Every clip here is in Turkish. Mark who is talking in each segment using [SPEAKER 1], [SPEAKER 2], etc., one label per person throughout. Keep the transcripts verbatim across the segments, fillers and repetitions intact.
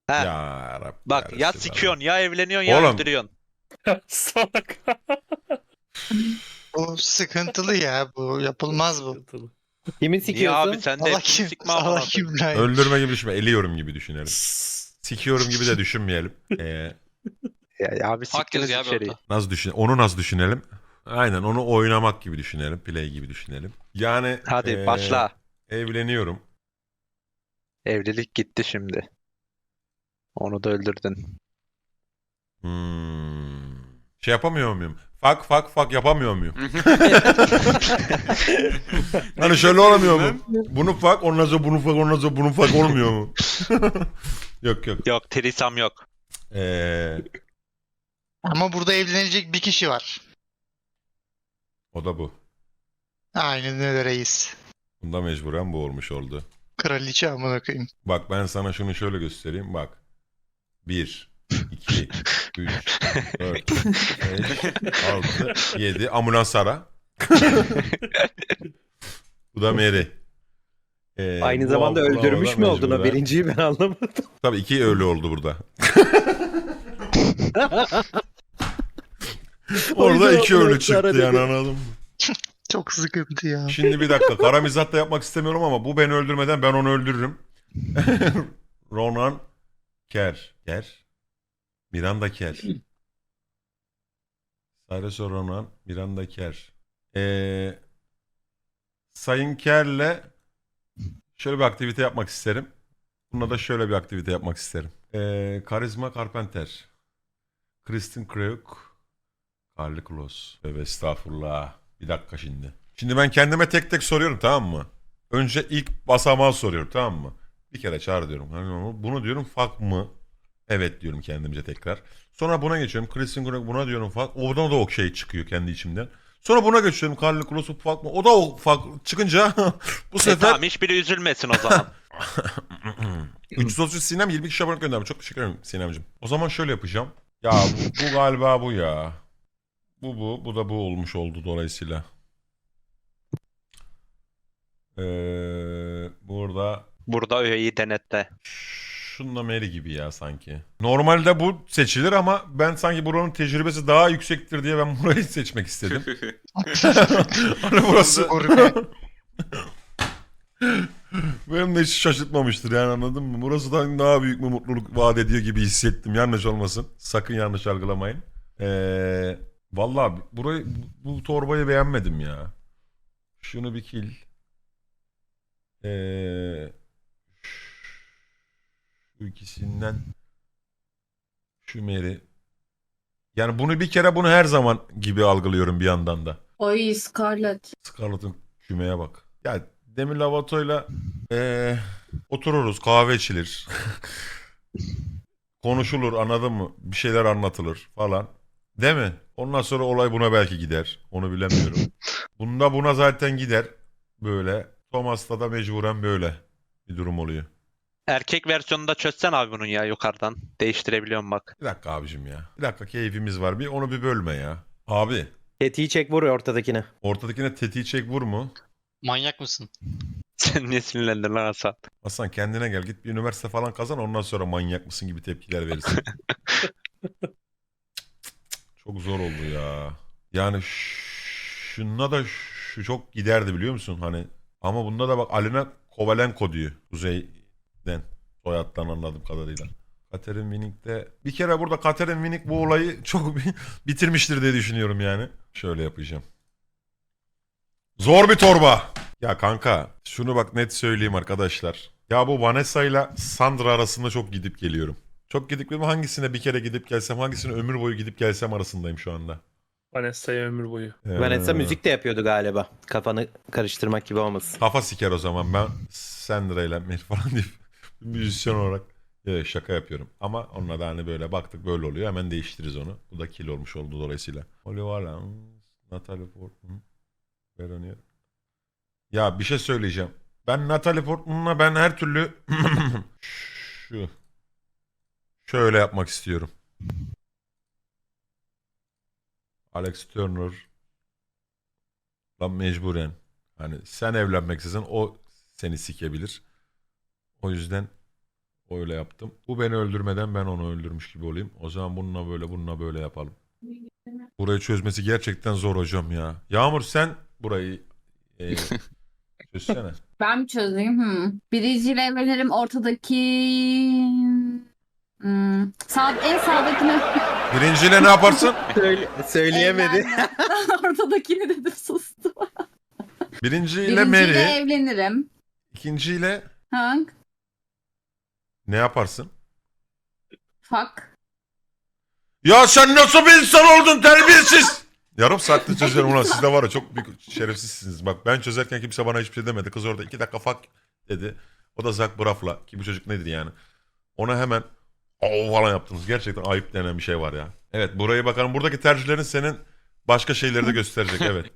[SPEAKER 1] Heh,
[SPEAKER 2] Ya Rabbi
[SPEAKER 1] bak
[SPEAKER 2] ya
[SPEAKER 1] ya
[SPEAKER 2] Resulallah.
[SPEAKER 1] sikiyorsun ya evleniyorsun ya
[SPEAKER 2] Oğlum.
[SPEAKER 1] öldürüyorsun.
[SPEAKER 3] Salak.
[SPEAKER 4] Bu sıkıntılı ya. Bu yapılmaz bu.
[SPEAKER 3] Sıkıntılı.
[SPEAKER 5] Kimi
[SPEAKER 1] Niye abi
[SPEAKER 5] sikiyorsun?
[SPEAKER 1] sen de
[SPEAKER 4] Allah
[SPEAKER 1] hepimizi
[SPEAKER 4] kim?
[SPEAKER 1] sikme
[SPEAKER 4] Allah
[SPEAKER 1] amına
[SPEAKER 4] kim
[SPEAKER 1] koyayım.
[SPEAKER 4] lan?
[SPEAKER 2] Öldürme gibi düşünme. Eliyorum gibi düşünelim. Sikiyorum gibi de düşünmeyelim. Ee,
[SPEAKER 1] Ya, ya abi
[SPEAKER 6] Hak
[SPEAKER 1] siktiniz
[SPEAKER 6] yazıyor abi
[SPEAKER 1] içeriği.
[SPEAKER 6] orada.
[SPEAKER 2] nasıl düşün? Onu nasıl düşünelim? Aynen onu oynamak gibi düşünelim. Play gibi düşünelim. Yani
[SPEAKER 1] Hadi
[SPEAKER 2] ee,
[SPEAKER 1] başla.
[SPEAKER 2] evleniyorum.
[SPEAKER 1] Evlilik gitti şimdi. Onu da öldürdün.
[SPEAKER 2] Hmm. Şey yapamıyor muyum? Fak fak fak yapamıyor muyum? Hani şöyle olamıyor mu? Bunu fak ondan sonra bunu fak ondan sonra bunu fak olmuyor mu? Yok yok.
[SPEAKER 1] Yok trisam yok.
[SPEAKER 2] Ee,
[SPEAKER 4] Ama burada evlenecek bir kişi var.
[SPEAKER 2] o da bu.
[SPEAKER 4] Aynen öyle reis.
[SPEAKER 2] Bunda mecburen bu olmuş oldu.
[SPEAKER 4] Kraliçe amına koyayım.
[SPEAKER 2] Bak ben sana şunu şöyle göstereyim. Bak. bir, iki, üç, dört, beş, altı, yedi. Ambulans ara. Bu da Mary. Ee,
[SPEAKER 5] Aynı
[SPEAKER 2] bu
[SPEAKER 5] zamanda
[SPEAKER 2] abla
[SPEAKER 5] öldürmüş
[SPEAKER 2] da
[SPEAKER 5] mü oldun o
[SPEAKER 2] mecburen-
[SPEAKER 5] birinciyi ben anlamadım.
[SPEAKER 2] Tabii iki ölü oldu burada. Orada
[SPEAKER 5] yüzden
[SPEAKER 2] iki ölü
[SPEAKER 5] ambulans ara
[SPEAKER 2] çıktı yani
[SPEAKER 5] dedi.
[SPEAKER 2] anladın mı?
[SPEAKER 4] Çok sıkıntı ya.
[SPEAKER 2] Şimdi bir dakika. Kara mizah da yapmak istemiyorum ama bu beni öldürmeden ben onu öldürürüm. Ronan Ker. Ker. Miranda Ker. Cyrus Ronan Miranda Ker. Ee, Sayın Ker'le şöyle bir aktivite yapmak isterim. Bununla da şöyle bir aktivite yapmak isterim. Ee, Karizma Carpenter. Kristen Krug. Carly Close. Tövbe estağfurullah. Bir dakika şimdi. Şimdi ben kendime tek tek soruyorum tamam mı? Önce ilk basamağı soruyorum tamam mı? Bir kere çağır diyorum. Hani bunu diyorum fuck mı? Evet diyorum kendimce tekrar. Sonra buna geçiyorum. Kristen Krug buna diyorum fuck. Oradan da o şey çıkıyor kendi içimden. Sonra buna geçiyorum. Carly Close fuck mı? O da o fuck çıkınca bu
[SPEAKER 1] E
[SPEAKER 2] sefer...
[SPEAKER 1] tamam hiçbiri üzülmesin o zaman.
[SPEAKER 2] üç yüz otuz üç Sinem yirmi iki şabanlık göndermiş. Çok teşekkür ederim Sinem'cim. O zaman şöyle yapacağım. Ya bu, bu galiba bu ya. Bu bu. Bu da bu olmuş oldu dolayısıyla. Ee, burada
[SPEAKER 1] Burada öğeyi denetle.
[SPEAKER 2] şunla Mary gibi ya sanki. Normalde bu seçilir ama ben sanki buranın tecrübesi daha yüksektir diye ben burayı seçmek istedim. Hani burası
[SPEAKER 4] Gurme.
[SPEAKER 2] benim de hiç şaşırtmamıştır yani anladın mı? Burası da daha büyük bir mutluluk vaat ediyor gibi hissettim. Yanlış olmasın. Sakın yanlış algılamayın. Ee, vallahi burayı bu, bu torbayı beğenmedim ya. Şunu bir kil. Ee, şu ikisinden şu Mary. Yani bunu bir kere bunu her zaman gibi algılıyorum bir yandan da.
[SPEAKER 7] Oy Scarlett.
[SPEAKER 2] Scarlett'ın kümeye bak. Ya Demi Lovato'yla ee, otururuz kahve içilir. Konuşulur anladın mı? Bir şeyler anlatılır falan. Değil mi? Ondan sonra olay buna belki gider. Onu bilemiyorum. Bunda buna zaten gider. Böyle. Thomas'ta da mecburen böyle bir durum oluyor.
[SPEAKER 1] Erkek versiyonunu da çözsen abi bunun ya yukarıdan. Değiştirebiliyorum bak.
[SPEAKER 2] Bir dakika abicim ya. Bir dakika keyfimiz var. Bir onu bir bölme ya. Abi.
[SPEAKER 5] Tetiği çek vur ortadakine.
[SPEAKER 2] Ortadakine tetiği çek vur mu?
[SPEAKER 6] Manyak mısın?
[SPEAKER 1] Sen niye sinirlendin lan Hasan?
[SPEAKER 2] Hasan kendine gel. Git bir üniversite falan kazan. Ondan sonra manyak mısın gibi tepkiler verirsin. Çok zor oldu ya. Yani şununla da şu çok giderdi biliyor musun? Hani ama bunda da bak Alina Kovalenko diyor. Kuzey'den. Soyaddan anladığım kadarıyla. Catherine Winnick'te bir kere burada Catherine Winnick bu olayı çok bitirmiştir diye düşünüyorum yani. Şöyle yapacağım. Zor bir torba. Ya kanka şunu bak net söyleyeyim arkadaşlar. Ya bu Vanessa ile Sandra arasında çok gidip geliyorum. Çok gidip geliyorum. Hangisine bir kere gidip gelsem, hangisine ömür boyu gidip gelsem arasındayım şu anda.
[SPEAKER 3] Vanessa'ya ömür boyu.
[SPEAKER 2] Ee,
[SPEAKER 5] Vanessa müzik de yapıyordu galiba. Kafanı karıştırmak gibi olmasın.
[SPEAKER 2] Kafa siker o zaman ben Sandra ile Mary falan deyip müzisyen olarak evet, şaka yapıyorum. Ama onunla da hani böyle baktık böyle oluyor hemen değiştiririz onu. Bu da kill olmuş oldu dolayısıyla. Holly Valance, Natalie Portman, Veronica. Ya bir şey söyleyeceğim. Ben Natalie Portman'la ben her türlü şu şöyle yapmak istiyorum. Alex Turner lan mecburen. Hani sen evlenmek istesen o seni sikebilir. O yüzden Öyle yaptım. Bu beni öldürmeden ben onu öldürmüş gibi olayım. O zaman bununla böyle bununla böyle yapalım. Burayı çözmesi gerçekten zor hocam ya. Yağmur sen burayı e, çözsene.
[SPEAKER 6] Ben mi çözeyim? Hmm. Birinciyle evlenirim. Ortadaki... Hmm. Sağ, en sağdakini...
[SPEAKER 2] Birinciyle ne yaparsın?
[SPEAKER 5] Söyle, söyleyemedi.
[SPEAKER 6] Evlenmem. Ortadakini dedim sustum.
[SPEAKER 2] Birinciyle
[SPEAKER 6] Birinciyle
[SPEAKER 2] Mary.
[SPEAKER 6] evlenirim.
[SPEAKER 2] İkinciyle
[SPEAKER 6] Ha?
[SPEAKER 2] ne yaparsın?
[SPEAKER 6] Fuck.
[SPEAKER 2] Ya sen nasıl bir insan oldun terbiyesiz? Yarım saatte çözüyorum ulan siz de var ya çok büyük şerefsizsiniz. Bak ben çözerken kimse bana hiçbir şey demedi. Kız orada iki dakika fuck dedi. O da Zach Braff'la ki bu çocuk nedir yani. Ona hemen o falan yaptınız. Gerçekten ayıp denen bir şey var ya. Evet burayı bakalım. Buradaki tercihlerin senin başka şeyleri de gösterecek evet.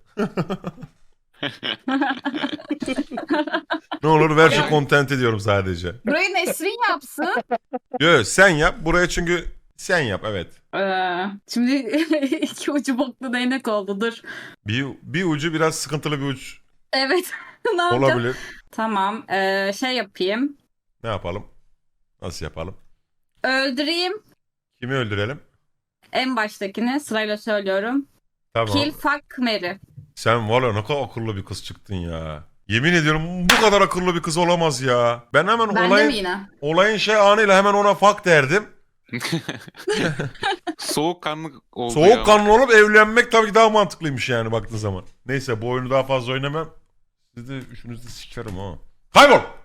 [SPEAKER 2] Ne olur ver şu content ediyorum sadece.
[SPEAKER 6] Burayı Nesrin yapsın.
[SPEAKER 2] Yo sen yap. Buraya çünkü sen yap evet.
[SPEAKER 6] Ee, şimdi iki ucu boklu değnek oldu. Dur.
[SPEAKER 2] Bir, bir ucu biraz sıkıntılı bir uç
[SPEAKER 6] Evet. Ne yapacağız?
[SPEAKER 2] olabilir.
[SPEAKER 6] Tamam. Ee, şey yapayım.
[SPEAKER 2] Ne yapalım? Nasıl yapalım?
[SPEAKER 6] Öldüreyim.
[SPEAKER 2] Kimi öldürelim?
[SPEAKER 6] En baştakini sırayla söylüyorum.
[SPEAKER 2] Tamam.
[SPEAKER 6] Kill, fuck, marry.
[SPEAKER 2] Sen valla ne kadar akıllı bir kız çıktın ya. Yemin ediyorum bu kadar akıllı bir kız olamaz ya. Ben hemen
[SPEAKER 6] Bende mi
[SPEAKER 2] olayın,
[SPEAKER 6] yine?
[SPEAKER 2] olayın şey anıyla hemen ona fuck derdim.
[SPEAKER 7] Soğukkanlı oldu ya.
[SPEAKER 2] Soğukkanlı olup evlenmek tabii ki daha mantıklıymış yani baktığın zaman. Neyse bu oyunu daha fazla oynamam. Sizi de üçünüzü de sikerim ha. Kaybol!